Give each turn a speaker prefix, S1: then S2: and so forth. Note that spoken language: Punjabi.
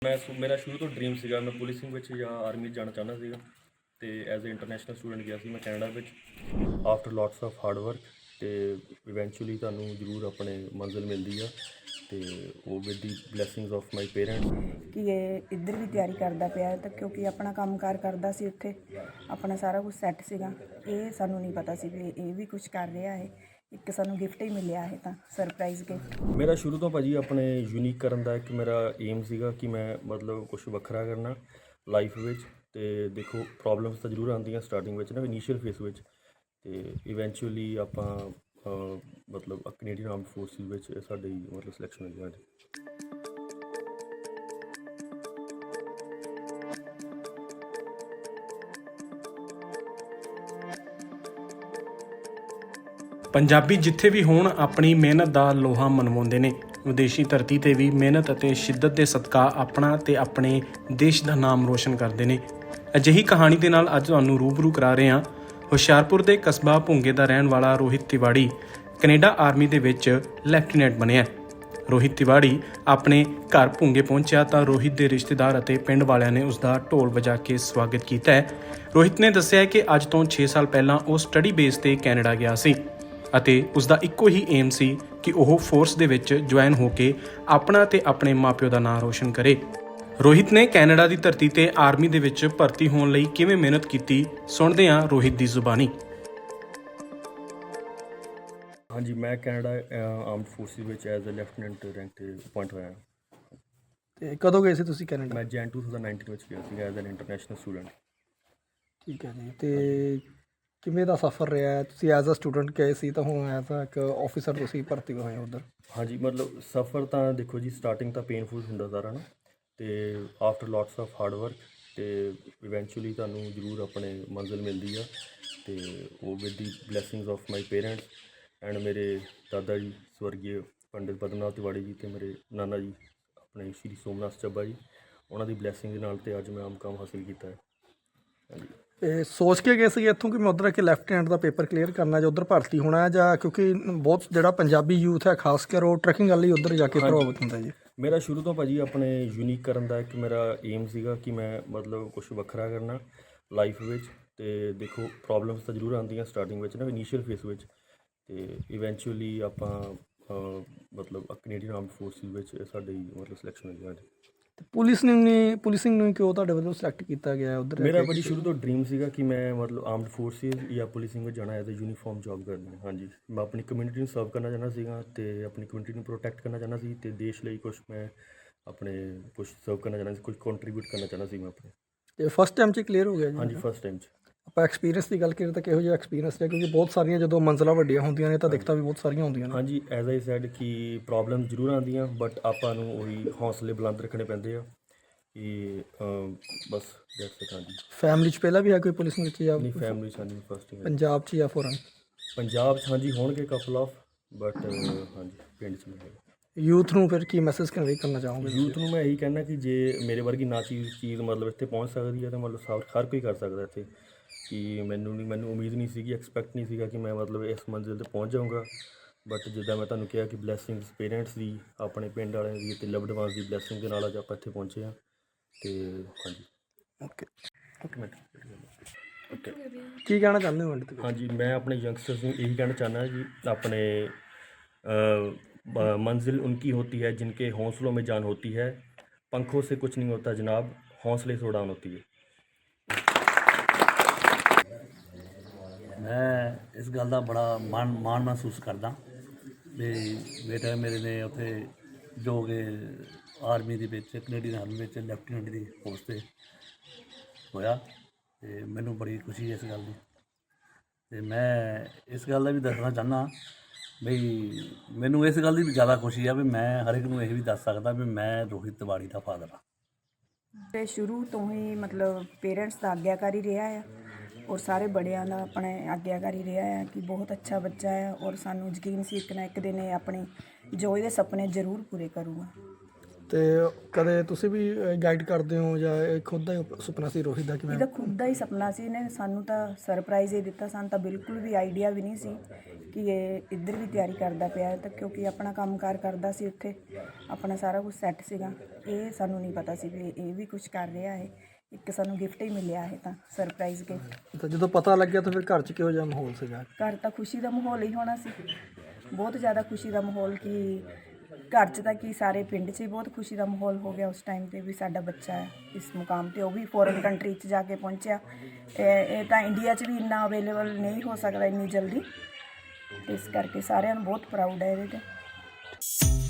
S1: ਮੇਰਾ ਸ਼ੁਰੂ ਤੋਂ ਡ੍ਰੀਮ ਸੀਗਾ ਮੈਂ ਪੁਲਿਸਿੰਗ ਵਿੱਚ ਜਾਂ ਆਰਮੀ 'ਚ ਜਾਣਾ ਚਾਹੁੰਦਾ ਸੀਗਾ ਅਤੇ ਐਜ਼ ਏ ਇੰਟਰਨੈਸ਼ਨਲ ਸਟੂਡੈਂਟ ਗਿਆ ਸੀ ਮੈਂ ਕੈਨੇਡਾ ਵਿੱਚ after lots of hard work ਅਤੇ ਇਵੈਂਚੁਅਲੀ ਤੁਹਾਨੂੰ ਜ਼ਰੂਰ ਆਪਣੇ ਮੰਜ਼ਿਲ ਮਿਲਦੀ ਆ ਅਤੇ ਉਹ with the blessings of my parents
S2: ਕਿ ਇਹ ਇੱਧਰ ਵੀ ਤਿਆਰੀ ਕਰਦਾ ਪਿਆ ਤਾਂ ਕਿਉਂਕਿ ਆਪਣਾ ਕੰਮਕਾਰ ਕਰਦਾ ਸੀ ਉੱਥੇ ਆਪਣਾ ਸਾਰਾ ਕੁਝ ਸੈੱਟ ਸੀਗਾ। ਇਹ ਸਾਨੂੰ ਨਹੀਂ ਪਤਾ ਸੀ ਵੀ ਇਹ ਵੀ ਕੁਝ ਕਰ ਰਿਹਾ ਹੈ। ਇੱਕ ਸਾਨੂੰ ਗਿਫਟ ਹੀ ਮਿਲਿਆ ਹੈ ਤਾਂ ਸਰਪ੍ਰਾਈਜ਼ ਗਿਫਟ।
S1: ਮੇਰਾ ਸ਼ੁਰੂ ਤੋਂ ਭਾਜੀ ਆਪਣੇ ਯੂਨੀਕ ਕਰਨ ਦਾ ਇੱਕ ਮੇਰਾ ਏਮ ਸੀਗਾ ਕਿ ਮੈਂ ਮਤਲਬ ਕੁਝ ਵੱਖਰਾ ਕਰਨਾ ਲਾਈਫ ਵਿੱਚ। ਅਤੇ ਦੇਖੋ ਪ੍ਰੋਬਲਮਸ ਤਾਂ ਜ਼ਰੂਰ ਆਉਂਦੀਆਂ ਸਟਾਰਟਿੰਗ ਵਿੱਚ ਨਾ ਇਨੀਸ਼ੀਅਲ ਫੇਸ ਵਿੱਚ, ਅਤੇ ਇਵੈਂਚੁਅਲੀ ਆਪਾਂ ਮਤਲਬ ਕੈਨੇਡੀਅਨ ਆਰਮਡ ਫੋਰਸਿਸ ਵਿੱਚ ਸਾਡੀ ਮਤਲਬ ਸਿਲੈਕਸ਼ਨ ਹੋਈ ਸਾਡੀ।
S3: ਪੰਜਾਬੀ ਜਿੱਥੇ ਵੀ ਹੋਣ ਆਪਣੀ ਮਿਹਨਤ ਦਾ ਲੋਹਾ ਮਨਵਾਉਂਦੇ ਨੇ। ਵਿਦੇਸ਼ੀ ਧਰਤੀ ਤੇ ਵੀ ਮਿਹਨਤ ਅਤੇ ਸ਼ਿੱਦਤ ਦੇ ਸਦਕਾ ਆਪਣਾ ਤੇ ਆਪਣੇ ਦੇਸ਼ ਦਾ ਨਾਮ ਰੋਸ਼ਨ ਕਰਦੇ ਨੇ। ਅਜਿਹੀ ਕਹਾਣੀ ਦੇ ਨਾਲ ਅੱਜ ਤੁਹਾਨੂੰ ਰੂਬਰੂ ਕਰਾ ਰਹੇ ਹਾਂ। ਹੁਸ਼ਿਆਰਪੁਰ ਦੇ ਕਸਬਾ ਭੁੰਗੇ ਦਾ ਰਹਿਣ ਵਾਲਾ ਰੋਹਿਤ ਤਿਵਾੜੀ ਕੈਨੇਡਾ ਆਰਮੀ ਦੇ ਵਿੱਚ ਲੈਫਟੀਨੈਂਟ ਬਣਿਆ। ਰੋਹਿਤ ਤਿਵਾੜੀ ਆਪਣੇ ਘਰ ਭੁੰਗੇ ਪਹੁੰਚਿਆ ਤਾਂ ਰੋਹਿਤ ਦੇ ਰਿਸ਼ਤੇਦਾਰ ਅਤੇ ਪਿੰਡ ਵਾਲਿਆਂ ਨੇ ਉਸ ਦਾ ਢੋਲ ਵਜਾ ਕੇ ਸਵਾਗਤ ਕੀਤਾ ਹੈ। ਰੋਹਿਤ ਨੇ ਦੱਸਿਆ ਕਿ ਅੱਜ ਤੋਂ 6 ਸਾਲ ਪਹਿਲਾਂ ਉਹ ਸਟੱਡੀ ਬੇਸ ਤੇ ਕੈਨੇਡਾ ਗਿਆ ਸੀ ਅਤੇ ਉਸ ਦਾ ਇੱਕੋ ਹੀ ਏਮ ਸੀ ਕਿ ਉਹ ਫੋਰਸ ਦੇ ਵਿੱਚ ਜੁਆਇਨ ਹੋ ਕੇ ਆਪਣਾ ਤੇ ਆਪਣੇ ਮਾਪਿਓ ਦਾ ਨਾਮ ਰੋਸ਼ਨ ਕਰੇ। ਰੋਹਿਤ ਨੇ ਕੈਨੇਡਾ ਦੀ ਧਰਤੀ ਤੇ ਆਰਮੀ ਦੇ ਵਿੱਚ ਭਰਤੀ ਹੋਣ ਲਈ ਕਿਵੇਂ ਮਿਹਨਤ ਕੀਤੀ, ਸੁਣਦੇ ਹਾਂ ਰੋਹਿਤ ਦੀ ਜ਼ੁਬਾਨੀ।
S1: ਹਾਂਜੀ, ਮੈਂ ਕੈਨੇਡਾ ਆਰਮਡ ਫੋਰਸਿਸ ਵਿੱਚ ਐਜ਼ ਅ ਲੈਫਟੀਨੈਂਟ ਰੈਂਕ 'ਤੇ ਅਪੁਆਇੰਟ ਹੋਇਆ।
S4: ਤੇ ਕਦੋਂ ਗਏ ਸੀ ਤੁਸੀਂ ਕੈਨੇਡਾ?
S1: ਮੈਂ ਜੈਨ 2019 ਵਿੱਚ ਗਿਆ ਸੀ ਐਜ਼ ਐਨ ਇੰਟਰਨੈਸ਼ਨਲ ਸਟੂਡੈਂਟ।
S4: ਠੀਕ ਹੈ ਜੀ। ਤੇ ਕਿਵੇਂ ਦਾ ਸਫ਼ਰ ਰਿਹਾ? ਤੁਸੀਂ ਐਜ਼ ਅ ਸਟੂਡੈਂਟ ਗਏ ਸੀ ਤਾਂ ਹੁਣ ਐਜ਼ ਅ ਇੱਕ ਆਫਿਸਰ ਤੁਸੀਂ ਭਰਤੀ ਹੋਏ ਹੋ ਉੱਧਰ।
S1: ਹਾਂਜੀ, ਮਤਲਬ ਸਫ਼ਰ ਤਾਂ ਦੇਖੋ ਜੀ ਸਟਾਰਟਿੰਗ ਤਾਂ ਪੇਨਫੁਲ ਹੁੰਦਾ ਸਾਰਾ ਨਾ, ਅਤੇ after lots of hard work ਅਤੇ ਇਵੈਂਚੁਅਲੀ ਤੁਹਾਨੂੰ ਜ਼ਰੂਰ ਆਪਣੇ ਮੰਜ਼ਿਲ ਮਿਲਦੀ ਆ, ਅਤੇ ਉਹ with the blessings of my parents and ਮੇਰੇ ਦਾਦਾ ਜੀ ਸਵਰਗੀ ਪੰਡਿਤ ਪਦਮਨਾਥ ਤਿਵਾੜੀ ਜੀ ਅਤੇ ਮੇਰੇ ਨਾਨਾ ਜੀ ਆਪਣੇ ਸ਼੍ਰੀ ਸੋਮਨਾਥ ਚੱਬਾ ਜੀ, ਉਹਨਾਂ ਦੀ ਬਲੈਸਿੰਗ ਦੇ ਨਾਲ ਅਤੇ ਅੱਜ ਮੈਂ ਮੁਕਾਮ ਹਾਸਿਲ ਕੀਤਾ ਹੈ। ਹਾਂਜੀ।
S4: ਤੇ ਸੋਚ ਕੇ ਗਏ ਸੀ ਇੱਥੋਂ ਕਿ ਮੈਂ ਉੱਧਰ ਆ ਕੇ ਲੈਫਟੀਨੈਂਟ ਦਾ ਪੇਪਰ ਕਲੀਅਰ ਕਰਨਾ ਜਾਂ ਉੱਧਰ ਭਰਤੀ ਹੋਣਾ, ਜਾਂ ਕਿਉਂਕਿ ਬਹੁਤ ਜਿਹੜਾ ਪੰਜਾਬੀ ਯੂਥ ਹੈ ਖਾਸ ਕਰ ਉਹ ਟਰੈਕਿੰਗ ਵਾਲੀ ਲਈ ਉੱਧਰ ਜਾ ਕੇ ਪ੍ਰਭਾਵਿਤ ਹੁੰਦਾ ਜੀ?
S1: ਮੇਰਾ ਸ਼ੁਰੂ ਤੋਂ ਭਾਜੀ ਆਪਣੇ ਯੂਨੀਕ ਕਰਨ ਦਾ ਇੱਕ ਮੇਰਾ ਏਮ ਸੀਗਾ ਕਿ ਮੈਂ ਮਤਲਬ ਕੁਝ ਵੱਖਰਾ ਕਰਨਾ ਲਾਈਫ ਵਿੱਚ। ਅਤੇ ਦੇਖੋ ਪ੍ਰੋਬਲਮਸ ਤਾਂ ਜ਼ਰੂਰ ਆਉਂਦੀਆਂ ਸਟਾਰਟਿੰਗ ਵਿੱਚ ਨਾ ਇਨੀਸ਼ੀਅਲ ਫੇਸ ਵਿੱਚ, ਅਤੇ ਇਵੈਂਚੁਅਲੀ ਆਪਾਂ ਮਤਲਬ ਕੈਨੇਡੀਅਨ ਆਰਮਡ ਫੋਰਸਿਸ ਵਿੱਚ ਸਾਡੀ ਮਤਲਬ ਸਿਲੈਕਸ਼ਨ ਹੋਈ ਸਾਡੀ।
S4: ਤੇ ਪੁਲਿਸਿੰਗ ਨੂੰ ਕਿਉਂ ਤੁਹਾਡੇ ਵੱਲੋਂ ਸਿਲੈਕਟ ਕੀਤਾ ਗਿਆ ਉੱਧਰ?
S1: ਮੇਰਾ ਭਾਜੀ ਸ਼ੁਰੂ ਤੋਂ ਡ੍ਰੀਮ ਸੀਗਾ ਕਿ ਮੈਂ ਮਤਲਬ ਆਰਮਡ ਫੋਰਸਿਸ ਜਾਂ ਪੁਲਿਸਿੰਗ ਵਿੱਚ ਜਾਣਾ ਐਜ਼ ਅ ਯੂਨੀਫਾਰਮ ਜੋਬ ਕਰਨੀ। ਹਾਂਜੀ, ਮੈਂ ਆਪਣੀ ਕਮਿਊਨਿਟੀ ਨੂੰ ਸਰਵ ਕਰਨਾ ਚਾਹੁੰਦਾ ਸੀਗਾ ਅਤੇ ਆਪਣੀ ਕਮਿਊਨਿਟੀ ਨੂੰ ਪ੍ਰੋਟੈਕਟ ਕਰਨਾ ਚਾਹੁੰਦਾ ਸੀ, ਅਤੇ ਦੇਸ਼ ਲਈ ਕੁਝ ਮੈਂ ਆਪਣੇ ਕੁਝ ਸਰਵ ਕਰਨਾ ਚਾਹੁੰਦਾ ਸੀ, ਕੁਝ ਕੰਟਰੀਬਿਊਟ ਕਰਨਾ ਚਾਹੁੰਦਾ ਸੀ ਮੈਂ ਆਪਣੇ।
S4: ਤੇ ਫਸਟ ਟਾਈਮ 'ਚ ਕਲੀਅਰ ਹੋ ਗਿਆ ਜੀ?
S1: ਹਾਂਜੀ, ਫਸਟ ਟਾਈਮ 'ਚ।
S4: ਆਪਾਂ ਐਕਸਪੀਰੀਅੰਸ ਦੀ ਗੱਲ ਕਰੀਏ ਤਾਂ ਕਿਹੋ ਜਿਹਾ ਐਕਸਪੀਰੀਅੰਸ ਹੈ? ਕਿਉਂਕਿ ਬਹੁਤ ਸਾਰੀਆਂ ਜਦੋਂ ਮੰਜ਼ਲਾਂ ਵੱਡੀਆਂ ਹੁੰਦੀਆਂ ਨੇ ਤਾਂ ਦਿੱਕਤਾਂ ਵੀ ਬਹੁਤ ਸਾਰੀਆਂ ਹੁੰਦੀਆਂ ਨੇ।
S1: ਹਾਂਜੀ, ਐਜ਼ ਆਈ ਸੈਡ ਕਿ ਪ੍ਰੋਬਲਮ ਜ਼ਰੂਰ ਆਉਂਦੀਆਂ ਬਟ ਆਪਾਂ ਨੂੰ ਉਹੀ ਹੌਸਲੇ ਬੁਲੰਦ ਰੱਖਣੇ ਪੈਂਦੇ ਆ ਕਿ ਬਸ ਦੈਟਸ ਇਟ। ਹਾਂਜੀ।
S4: ਫੈਮਿਲੀ 'ਚ ਪਹਿਲਾਂ ਵੀ ਹੈ ਕੋਈ ਪੁਲਿਸਿੰਗ ਵਿੱਚ ਜਾਂ
S1: ਨਹੀਂ, ਫੈਮਿਲੀ 'ਚ ਹਾਂਜੀ ਫਸਟ ਟਾਈਮ।
S4: ਪੰਜਾਬ 'ਚ ਜਾਂ ਫੋਰਨ?
S1: ਪੰਜਾਬ 'ਚ ਹਾਂਜੀ ਹੋਣਗੇ ਕਪਲ ਆਫ, ਬਟ ਹਾਂਜੀ ਪਿੰਡ 'ਚ ਨਹੀਂ ਹੈਗਾ।
S4: ਯੂਥ ਨੂੰ ਫਿਰ ਕੀ ਮੈਸੇਜ ਕਨਵੇ ਕਰਨਾ ਚਾਹੋਗੇ?
S1: ਯੂਥ ਨੂੰ ਮੈਂ ਇਹੀ ਕਹਿਣਾ ਕਿ ਜੇ ਮੇਰੇ ਵਰਗੀ ਨਾ ਚੀਜ਼ ਮਤਲਬ ਇੱਥੇ ਪਹੁੰਚ ਸਕਦੀ ਹੈ ਤਾਂ ਮਤਲਬ ਹਰ ਕੋਈ ਕਰ ਸਕਦਾ ਇੱਥੇ। ਕਿ ਮੈਨੂੰ ਉਮੀਦ ਨਹੀਂ ਸੀਗੀ, ਐਕਸਪੈਕਟ ਨਹੀਂ ਸੀਗਾ ਕਿ ਮੈਂ ਮਤਲਬ ਇਸ ਮੰਜ਼ਿਲ 'ਤੇ ਪਹੁੰਚ ਜਾਊਂਗਾ, ਬਟ ਜਿੱਦਾਂ ਮੈਂ ਤੁਹਾਨੂੰ ਕਿਹਾ ਕਿ ਬਲੈਸਿੰਗਸ ਪੇਰੈਂਟਸ ਦੀ, ਆਪਣੇ ਪਿੰਡ ਵਾਲਿਆਂ ਦੀ ਅਤੇ ਲਵਡ ਵਨਸ ਦੀ ਬਲੈਸਿੰਗ ਦੇ ਨਾਲ ਅੱਜ ਆਪਾਂ ਇੱਥੇ ਪਹੁੰਚੇ ਹਾਂ। ਅਤੇ ਹਾਂਜੀ।
S4: Okay
S1: okay.
S4: ਕੀ ਕਹਿਣਾ ਚਾਹੁੰਦੇ ਹੋ?
S1: ਹਾਂਜੀ, ਮੈਂ ਆਪਣੇ ਯੰਗਸਟਰਸ ਨੂੰ ਇਹੀ ਕਹਿਣਾ ਚਾਹੁੰਦਾ ਜੀ ਆਪਣੇ मंजिल उनकी होती है जिनके हौसलों में जान होती है, पंखों से कुछ नहीं होता जनाब, हौसले से उड़ान होती है।
S5: मैं इस गल का बड़ा मान महसूस करदा भी बेटा मेरे ने उत्थे जो कि आर्मी दे विच कनेडियन आर्मी विच लैफ्टिनेंट की पोस्ट ते होया, ते मैनूं बड़ी खुशी है इस गल की। ते मैं इस गल का भी दसना चाहना बई मैनूं इस गल की भी ज़्यादा खुशी है भी मैं हर एक नूं यही भी दस सकदा भी मैं रोहित तिवाड़ी का फादर हाँ।
S2: ਤੇ ਸ਼ੁਰੂ ਤੋਂ ਹੀ ਮਤਲਬ ਪੇਰੈਂਟਸ ਦਾ ਆਗਿਆਕਾਰੀ ਰਿਹਾ ਆ ਔਰ ਸਾਰੇ ਬੜਿਆਂ ਦਾ ਆਪਣੇ ਆਗਿਆਕਾਰੀ ਰਿਹਾ ਆ ਕਿ ਬਹੁਤ ਅੱਛਾ ਬੱਚਾ ਹੈ ਔਰ ਸਾਨੂੰ ਯਕੀਨ ਸੀ ਇੱਕ ਨਾ ਇੱਕ ਦਿਨ ਇਹ ਆਪਣੇ ਜੋ ਇਹਦੇ ਸੁਪਨੇ ਜ਼ਰੂਰ ਪੂਰੇ ਕਰੂਗਾ।
S4: ਤੇ ਕਦੇ ਤੁਸੀਂ ਵੀ ਗਾਈਡ ਕਰਦੇ ਹੋ ਜਾਂ ਇਹ ਖੁਦ ਦਾ ਹੀ ਸੁਪਨਾ ਸੀ ਰੋਹਿਤ ਦਾ? ਕਿਵੇਂ?
S2: ਇਹਦਾ ਖੁਦ ਦਾ ਹੀ ਸੁਪਨਾ ਸੀ, ਇਹਨੇ ਸਾਨੂੰ ਤਾਂ ਸਰਪ੍ਰਾਈਜ਼ ਹੀ ਦਿੱਤਾ, ਸਾਨੂੰ ਤਾਂ ਬਿਲਕੁਲ ਵੀ ਆਈਡੀਆ ਵੀ ਨਹੀਂ ਸੀ ਕਿ ਇਹ ਇੱਧਰ ਵੀ ਤਿਆਰੀ ਕਰਦਾ ਪਿਆ ਹੈ, ਤਾਂ ਕਿਉਂਕਿ ਆਪਣਾ ਕੰਮਕਾਰ ਕਰਦਾ ਸੀ ਉੱਥੇ, ਆਪਣਾ ਸਾਰਾ ਕੁਝ ਸੈੱਟ ਸੀਗਾ। ਇਹ ਸਾਨੂੰ ਨਹੀਂ ਪਤਾ ਸੀ ਵੀ ਇਹ ਵੀ ਕੁਝ ਕਰ ਰਿਹਾ ਹੈ। ਇੱਕ ਸਾਨੂੰ ਗਿਫਟ ਹੀ ਮਿਲਿਆ ਹੈ, ਤਾਂ ਸਰਪ੍ਰਾਈਜ਼ ਗਿਫਟ।
S4: ਤਾਂ ਜਦੋਂ ਪਤਾ ਲੱਗਿਆ ਤਾਂ ਫਿਰ ਘਰ 'ਚ ਕਿਹੋ ਜਿਹਾ ਮਾਹੌਲ ਸੀਗਾ?
S2: ਘਰ ਤਾਂ ਖੁਸ਼ੀ ਦਾ ਮਾਹੌਲ ਹੀ ਹੋਣਾ ਸੀ, ਬਹੁਤ ਜ਼ਿਆਦਾ ਖੁਸ਼ੀ ਦਾ ਮਾਹੌਲ, ਕਿ ਘਰ 'ਚ ਤਾਂ ਕੀ ਸਾਰੇ ਪਿੰਡ 'ਚ ਹੀ ਬਹੁਤ ਖੁਸ਼ੀ ਦਾ ਮਾਹੌਲ ਹੋ ਗਿਆ ਉਸ ਟਾਈਮ 'ਤੇ ਵੀ ਸਾਡਾ ਬੱਚਾ ਹੈ ਇਸ ਮੁਕਾਮ 'ਤੇ, ਉਹ ਵੀ ਫੋਰਨ ਕੰਟਰੀ 'ਚ ਜਾ ਕੇ ਪਹੁੰਚਿਆ। ਇਹ ਤਾਂ ਇੰਡੀਆ 'ਚ ਵੀ ਇੰਨਾ ਅਵੇਲੇਬਲ ਨਹੀਂ ਹੋ ਸਕਦਾ ਇੰਨੀ ਜਲਦੀ, ਇਸ ਕਰਕੇ ਸਾਰਿਆਂ ਨੂੰ ਬਹੁਤ ਪ੍ਰਾਊਡ ਹੈ ਇਹਦੇ 'ਤੇ।